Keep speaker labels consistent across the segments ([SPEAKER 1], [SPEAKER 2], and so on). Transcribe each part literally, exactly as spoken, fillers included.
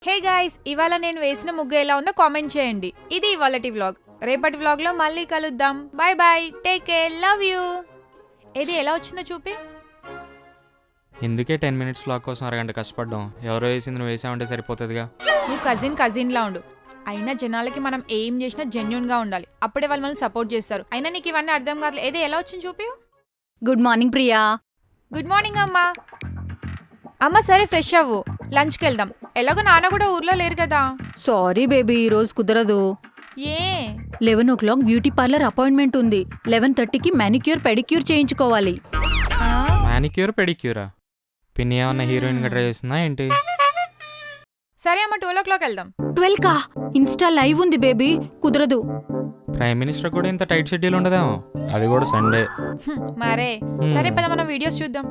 [SPEAKER 1] Hey guys, ఇవాళ నేను వేసిన ముగ్గు ఎలా ఉందో కామెంట్ చేయండి. ఇది ఇవాళటి వ్లాగ్. రేపటి వ్లాగ్ లో మళ్ళీ కలుద్దాం. Bye bye, take care, love you. ఏది ఎలా వచ్చిందో చూపి.
[SPEAKER 2] ఎందుకే టెన్ మినిట్స్ వ్లాగ్ కోసం అరగంట కష్టపడ్డాం. ఎవరో వేసింది నువ్వు వేసామంటే సరిపోతుందిగా.
[SPEAKER 1] నువ్వు కజిన్ కజిన్ లా ఉండు. అయినా జనాలకి మనం ఏం చేసినా జెన్యున్ గా ఉండాలి. అప్పుడే వాళ్ళు మనల్ని సపోర్ట్ చేస్తారు. అయినా నీకు ఇవన్నీ అర్థం కాదు. ఏది ఎలా వచ్చింది చూపి.
[SPEAKER 3] Good morning Priya.
[SPEAKER 1] Good morning అమ్మా. అమ్మ సరే, ఫ్రెష్ అవ్వు, లంచ్కి వెళ్దాం. ఎలాగో నాన్న కూడా ఊర్లో లేరు కదా.
[SPEAKER 3] సారీ బేబీ, ఈ రోజు కుదరదు.
[SPEAKER 1] A
[SPEAKER 3] eleven o'clock beauty parlour appointment ఉంది. లెవెన్ థర్టీకి మానిక్యూర్ పెడిక్యూర్ చేయించుకోవాలి.
[SPEAKER 2] మానిక్యూర్ పెడిక్యూరా? పిన్ని ఏమన్నా హీరోయిన్ గా ట్రై చేస్తుందా ఏంటి?
[SPEAKER 1] సరే అమ్మ, ట్వెల్వ్ ఓ క్లాక్ వెళ్దాం.
[SPEAKER 3] ట్వెల్వ్ కా? ఇన్స్టా లైవ్ ఉంది బేబీ, కుదరదు.
[SPEAKER 2] ప్రైమ్ మినిస్టర్ కూడా ఇంత టైట్ షెడ్యూల్ ఉండదేమో, అది కూడా సండే.
[SPEAKER 1] హ్మ్, మరే సరే పద, మనం వీడియోస్ చూద్దాం.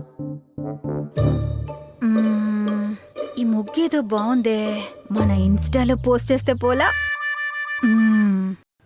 [SPEAKER 3] మ్మ్, ఈ ముగ్గేదో బాగుందే, మన ఇన్స్టాలో పోస్ట్ చేస్తే పోలా. మ్మ్.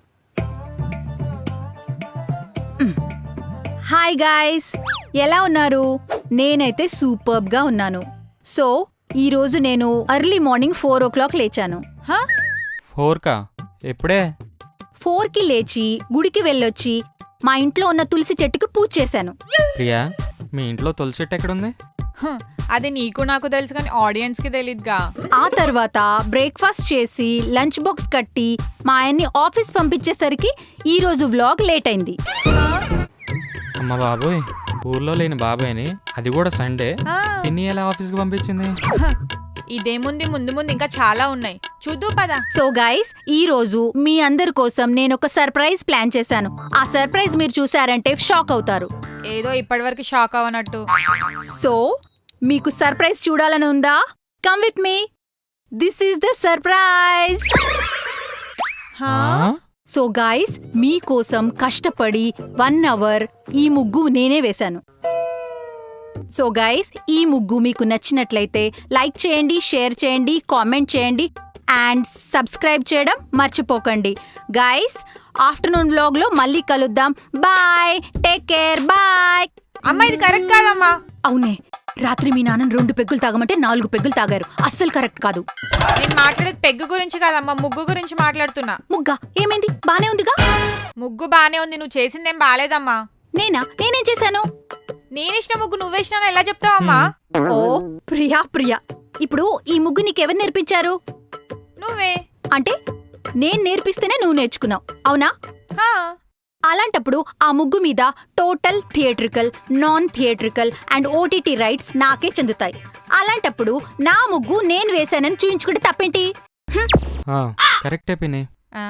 [SPEAKER 3] మ్మ్. హాయ్ గాయ్స్, ఎలా ఉన్నారు? నేనైతే సూపర్బ్ గా ఉన్నాను. సో ఈ రోజు నేను early morning four o'clock లేచాను.
[SPEAKER 1] హా?
[SPEAKER 2] ఫోర్ కా? ఎప్పుడే?
[SPEAKER 3] ఫోర్ కి లేచి గుడికి వెళ్ళొచ్చి మా ఇంట్లో ఉన్న తులసి చెట్టుకు పూజ చేశాను.
[SPEAKER 2] ప్రియా, మీ ఇంట్లో తులసి చెట్టు ఎక్కడుంది?
[SPEAKER 1] హ్మ్, అది నీకు నాకు తెలుసు కానీ ఆడియన్స్ కి తెలీదుగా.
[SPEAKER 3] ఆ తర్వాత బ్రేక్ఫాస్ట్ చేసి లంచ్ బాక్స్ కట్టి మా ఆయన్ని ఆఫీస్ పంపించేసరికి ఈ రోజు వ్లాగ్ లేట్ అయింది.
[SPEAKER 2] అమ్మ బాబోయ్, ఊర్లో లేని బాబాయ్ని, అది కూడా సండే,
[SPEAKER 1] ఆ,
[SPEAKER 2] పిన్ని ఎలా ఆఫీస్కి పంపించింది?
[SPEAKER 1] హ, ఇదేముంది, ముందు ముందు ఇంకా చాలా ఉన్నాయి, చూద్దు పద.
[SPEAKER 3] సో గైస్, ఈ రోజు మీ అందరి కోసం నేను ఒక సర్ప్రైజ్ ప్లాన్ చేశాను. ఆ సర్ప్రైజ్ మీరు చూసారంటే షాక్ అవుతారు.
[SPEAKER 1] ఏదో ఇప్పటివరకు షాక్ అవ్వనట్టు.
[SPEAKER 3] సో మీకు సర్ప్రైజ్ చూడాలని ఉందా? Come with me, this is the surprise.
[SPEAKER 1] హా?
[SPEAKER 3] సో గాయ్స్, మీకోసం కష్టపడి వన్ అవర్ ఈ ముగ్గు నేనే వేశాను. సో గాయ్స్, ఈ ముగ్గు మీకు నచ్చినట్లయితే లైక్ చేయండి, షేర్ చేయండి, కామెంట్ చేయండి అండ్ సబ్స్క్రైబ్ చేయడం మర్చిపోకండి. గాయ్స్, ఆఫ్టర్నూన్ వ్లాగ్ లో మళ్ళీ కలుద్దాం. Bye, take care, bye.
[SPEAKER 1] అమ్మా, ఇది కరెక్ట్ కాదమ్మా.
[SPEAKER 3] అవునే, రాత్రి మీ నాన్న రెండు పెగ్గులు తాగమంటే నాలుగు పెగ్గులు తాగారు. అస్సలు కరెక్ట్ కాదు.
[SPEAKER 1] నేను మాట్లాడేది పెగ్గు గురించి కాదమ్మా, ముగ్గు గురించి మాట్లాడుతున్నా.
[SPEAKER 3] ముగ్గా ఏమైంది? బానే ఉందిగా.
[SPEAKER 1] ముగ్గు బానే ఉంది, నువ్వు చేసిందేం బాలేదమ్మా.
[SPEAKER 3] నేనా? నేనేం చేశాను?
[SPEAKER 1] నేనిచ్చిన ముగ్గు నువ్వేసినా ఎలా చెప్తావమ్మా?
[SPEAKER 3] ఓ ప్రియా ప్రియా, ఇప్పుడు ఈ ముగ్గు నీకెవరు నేర్పించారు?
[SPEAKER 1] నువ్వే.
[SPEAKER 3] అంటే నేను నేర్పిస్తేనే నువ్వు నేర్చుకున్నావు, అవునా?
[SPEAKER 1] హా.
[SPEAKER 3] అలాంటప్పుడు ఆ ముగ్గు మీద total theatrical, non theatrical and OTT rights నాకే చెందుతాయి. అలాంటప్పుడు నా ముగ్గు నేను వేశానని చూయించుకుంటే తప్పేంటి?
[SPEAKER 2] ఆ, కరెక్టే పిన్ని.
[SPEAKER 1] ఆ?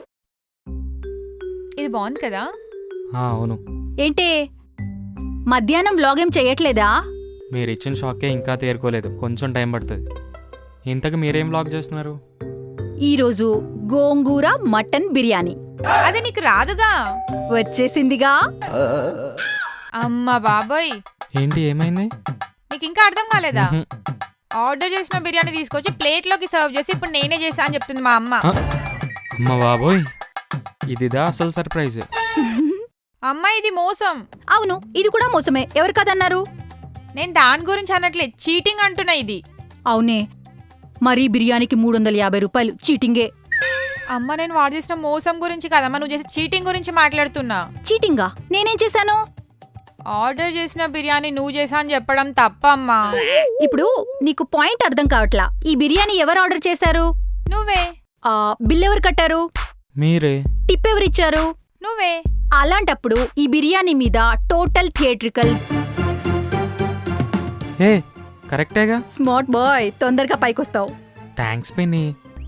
[SPEAKER 1] ఇది బాగుంది కదా.
[SPEAKER 2] ఆ, అవును.
[SPEAKER 3] ఏంటే, మధ్యాహ్నం వ్లాగ్ ఏం చెయ్యట్లేదా?
[SPEAKER 2] మీరు ఇచ్చిన షాకే ఇంకా తేరుకోలేదు, కొంచెం టైం పడుతుంది. ఇంతకు మీరేం వ్లాగ్ చేస్తున్నారు?
[SPEAKER 3] ఈరోజు గోంగూర మటన్ బిర్యానీ
[SPEAKER 1] అది నీకు రాదుగా.
[SPEAKER 3] వచ్చేసిందిగా.
[SPEAKER 1] అమ్మ బాబోయ్,
[SPEAKER 2] ఏంటి, ఏమైంది?
[SPEAKER 1] నీకు ఇంకా అర్థం కాలేదా?
[SPEAKER 2] మ్హూ.
[SPEAKER 1] ఆర్డర్ చేసిన బిర్యానీ తీసుకొచ్చి ప్లేట్ లోకి సర్వ్ చేసి ఇప్పుడు నేనే చేసా అని చెప్తుంది మా అమ్మ.
[SPEAKER 2] ఆ, అమ్మ బాబోయ్, ఇదిదా అసలు సర్ప్రైజ్?
[SPEAKER 1] అమ్మ, ఇది మోసం.
[SPEAKER 3] అవును, ఇది కూడా మోసమే. ఎవరు కదన్నారు?
[SPEAKER 1] నేను దాని గురించి అనట్లే, చీటింగ్ అంటున్నా ఇది.
[SPEAKER 3] అవునే, మరీ బిర్యానీకి మూడు వందల యాభై రూపాయలు చీటింగే.
[SPEAKER 1] అమ్మ, నేను వాడు చేసిన మోసం గురించి కదమ్మా, నువ్వు చేసే చీటింగ్ గురించి మాట్లాడుతున్నా.
[SPEAKER 3] చీటింగా? నేనేం చేశాను?
[SPEAKER 1] ఆర్డర్ చేసిన బిర్యానీ నువ్వు చేసా అని చెప్పడం తప్పమ్మా.
[SPEAKER 3] ఇప్పుడు నీకు పాయింట్ అర్థం కావట్లా. ఈ బిర్యానీ ఎవరు ఆర్డర్ చేశారు?
[SPEAKER 1] నువ్వే.
[SPEAKER 3] ఆ బిల్ ఎవరు కట్టారు?
[SPEAKER 2] మీరే.
[SPEAKER 3] టిప్ ఎవరిచ్చారు?
[SPEAKER 1] నువ్వే.
[SPEAKER 3] అలాంటప్పుడు ఈ బిర్యానీ మీద టోటల్ థియేట్రికల్.
[SPEAKER 2] ఏ, కరెక్టేగా.
[SPEAKER 3] స్మార్ట్ బాయ్, తొందరగా పైకొస్తావు.
[SPEAKER 2] థ్యాంక్స్ పిన్ని.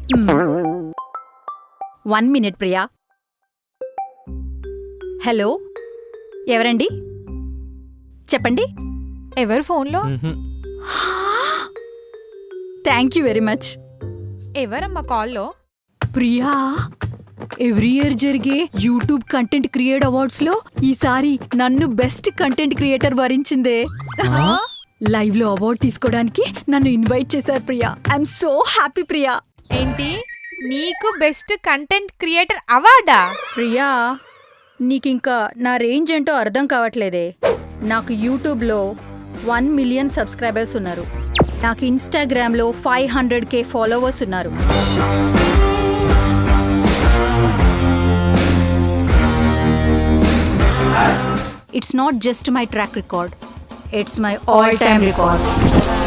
[SPEAKER 3] One minute Priya. హలో, ఎవరండి? చెప్పండి.
[SPEAKER 1] ఎవరు ఫోన్లో?
[SPEAKER 2] మ్హూ.
[SPEAKER 3] Thank you very much.
[SPEAKER 1] ఎవరమ్మా కాల్లో?
[SPEAKER 3] ప్రియా, ఎవ్రీ ఇయర్ జరిగే యూట్యూబ్ కంటెంట్ క్రియేట్ అవార్డ్స్ లో ఈసారి నన్ను బెస్ట్ కంటెంట్ క్రియేటర్ వరించిందే. లైవ్ లో అవార్డ్ తీసుకోవడానికి నన్ను ఇన్వైట్ చేశారు Priya. I'm so happy Priya.
[SPEAKER 1] ఏంటి, నీకు బెస్ట్ కంటెంట్ క్రియేటర్ అవార్డా?
[SPEAKER 3] ప్రియా, నీకింకా నా రేంజ్ ఏంటో అర్థం కావట్లేదే. నాకు యూట్యూబ్లో వన్ మిలియన్ సబ్స్క్రైబర్స్ ఉన్నారు. నాకు ఇన్స్టాగ్రామ్లో ఫైవ్ హండ్రెడ్ కే ఫాలోవర్స్ ఉన్నారు. It's not just my track record, it's my all time record.